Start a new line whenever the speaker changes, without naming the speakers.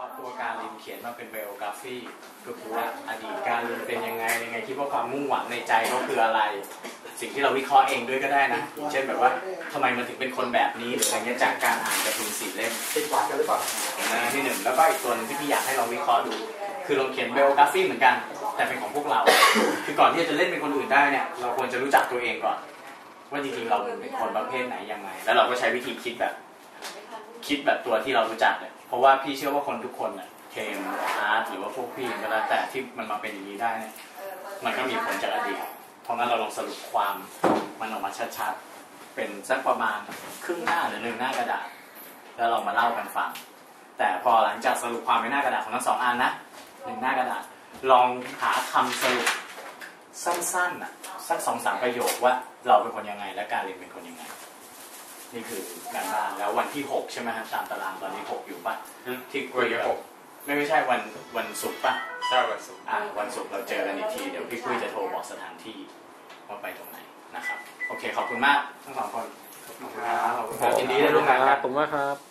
ตัวการลินเขียนมาเป็นไบโอกราฟีก็คือว่าอดีตการลินเป็นยังไงคิดว่าความมุ่งหวังในใจเขาคืออะไรสิ่งที่เราวิเคราะห์เองด้วยก็ได้นะเช่นแบบว่าทำไมมันถึงเป็นคนแบบนี้หรืออะไรเงี้ยจากการอ่านการ์ตูน4 เล่ม
ติดวัดกันหรือเปล่า
ที่1แล้วก็อีกตัวนึงที่พี่อยากให้เราวิเคราะห์ดูคือเราเขียนไบโอกราฟีเหมือนกันแต่เป็นของพวกเราคือก่อนที่จะเล่นเป็นคนอื่นได้เนี่ยเราควรจะรู้จักตัวเองก่อนว่าจริงๆเราเป็นคนประเภทไหนยังไงแล้วเราก็ใช้วิธีคิดแบบตัวที่เรารู้จักเลยเพราะว่าพี่เชื่อว่าคนทุกคนเนี่ยเคมอาร์ตหรือว่าพวกพี่ก็แล้วแต่ที่มันมาเป็นอย่างนี้ได้เนี่ยมันก็มีผลจากอดีตเพราะงั้นเราลองสรุปความมันออกมาชัดๆเป็นสักประมาณครึ่งหน้าหรือ1 หน้ากระดาษแล้วเรามาเล่ากันฟังแต่พอหลังจากสรุปความในหน้ากระดาษของทั้ง2 อันนะ1 หน้ากระดาษลองหาคำสรุปสั้นๆสัก2-3 ประโยคว่าเราเป็นคนยังไงและการเรียนเป็นคนยังไงนี่คือการบ้านแล้ววันที่6ใช่ไหมครับตามตารางตอนนี้6อยู่ป่ะที่คุยกับไม่ใช่วันศุกร์ป่ะ
ใช่วันศุกร์
วันศุกร์เราเจอกันอีกทีเดี๋ยวพี่คุยจะโทรบอกสถานที่ว่าไปตรงไหนนะครับโอเคขอบคุณมากทั้ง2 คนขอบคุณครับยินดีได้ร่วมงานครับ
ผมว่าครับ